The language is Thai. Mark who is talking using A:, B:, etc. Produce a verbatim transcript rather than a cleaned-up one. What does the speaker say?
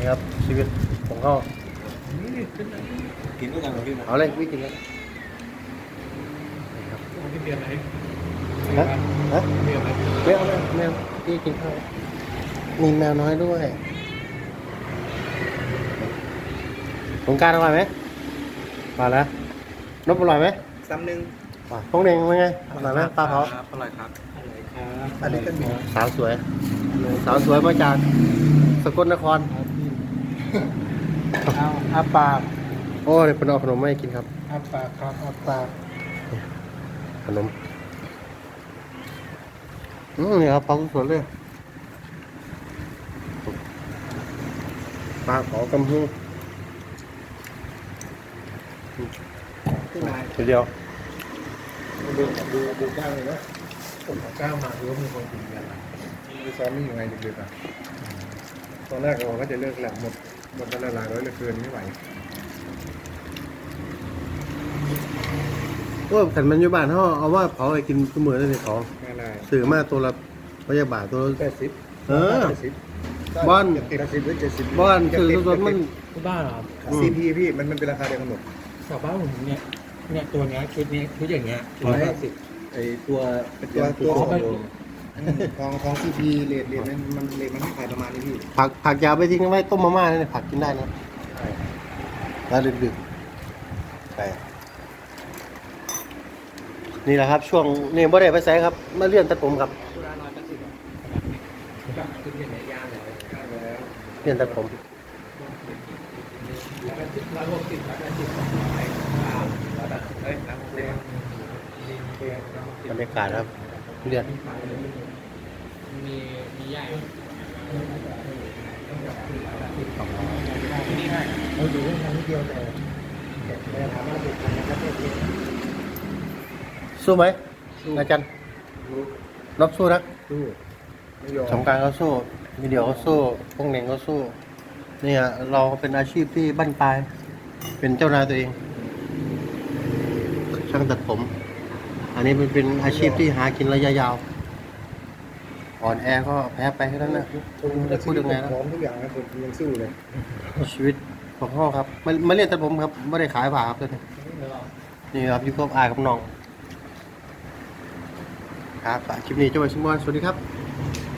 A: ครับชีวิตของเขา
B: กินด้วยกันเหรอพี่นะ
A: เอาเลยไม่กินแล้ว
C: ที่เดือนไหน
A: ฮะฮะ
C: เดือนไหน
A: แมวแมวแมวพี่กินข้าวมีแมวน้อยด้วยสงกรารอร่อยไหมมาแล้วนบอร่อยไหม
B: ซ้ำหนึ่ง
A: ป่าพงเด้งเป็นไงอร่อยไหมปลาเผา
B: อร่อยครับ
C: อะไรครับ
B: อันนี้ก็มี
A: สาวสวย สาวสวยมาจากสกลนคร
C: เอาอาปาก
A: โอ้เดี๋ยวเป็นเอาขนมมาให้กินครับ
C: อาปากครับอาปาก
A: ขนมอืมนี่ครับปลาสดๆเลยปลาเผากำฮึ
B: ที่นาย
A: ทีเดียว
B: ดูดูดูก้าวเลยนะ
C: ผมก้าวมาดูว่ามีคนกินกัน
B: ดูซ้อมไม่ยังไงดึกๆอ่ะตอนแรกเราก็จะเลิกแหละหมดหมดไปหลายร้อยเหลือเกินไม่ไหว
A: โอ้ขันมันอยู่บ้านเขาเอาว่าเผาอะไรกินทุกมื้อเลยนี่ของ
B: ไม่ได้
A: ซื้อมาตัวละพยาบาทตัวละ
B: แปดสิบ
A: เออ
B: แปดสิบ
A: บ้าน
B: ติดสิบหรือเจ็ดสิบ
A: บ้านคือสดๆมัน
C: ที่บ้านเหรอครับ
B: ซีพีพี่มันมันเป็นราคาเดียวกันหมด
C: ชาวบ้านผมเนี่ยเนี่ยตัวเนี้ยชุดนี้ชุดอย่างเงี้ยร้อยห้าสิบ
B: ไอตัวตัวตัวของของของซีพีเรทเรทมันมันเรทมันให้ขายประมาณนี้พี่
A: ผักผักยาไปทิ้งไว้ต้มมาม่าเนี่ยผักกินได้นะแล้วดึกๆไปนี่แหละครับ ช่วงนี่บ่ได้ไปใส่ครับ มาเลื่อนตัดผมครับ
C: ชุดละร้อยแปดสิบอ่ะแบบชุดอย่างเงี้ยย่างเลย
A: เลื่อนตัดผม
C: ร้อยแปดสิบร้อยหกสิบร้อยแปดสิบร้อยเฮ้ยน้ำเลี้ยง
A: บรรยากาศครับเลื่อน
C: มีมีใหญ่นี่ให้เราดูว่ามันนิดเดียวแต่แต่ถามว่าถูกกันนะครับเพื่อน
A: สู้ไหมอาจารย์รบสู้นะ
B: ดูไม่ยอม
A: สงกรารเขาสู้วิดีโอเขาสู้พวกเน่งเขาสู้เนี่ยเราเป็นอาชีพที่บั้นปลาย เป็นเจ้านายตัวเอง ช่างตัดผม อันนี้มันเป็นอาชีพที่หากินระยะยาว อ่อนแอก็แพ้ไปแค่นั้นนะ
B: ผม
A: จะพูดยังไงนะ
B: พร้อมทุกอย่างนะผมยังสู้เลย
A: ชีวิตของพ่อครับมามาเรียนตัดผมครับไม่ได้ขายผ่าครับตัวนี้นี่ครับอยู่กับอายกับน้องครับคลิปนี้เจ้าไว้ชิมอนสวัสดีครับ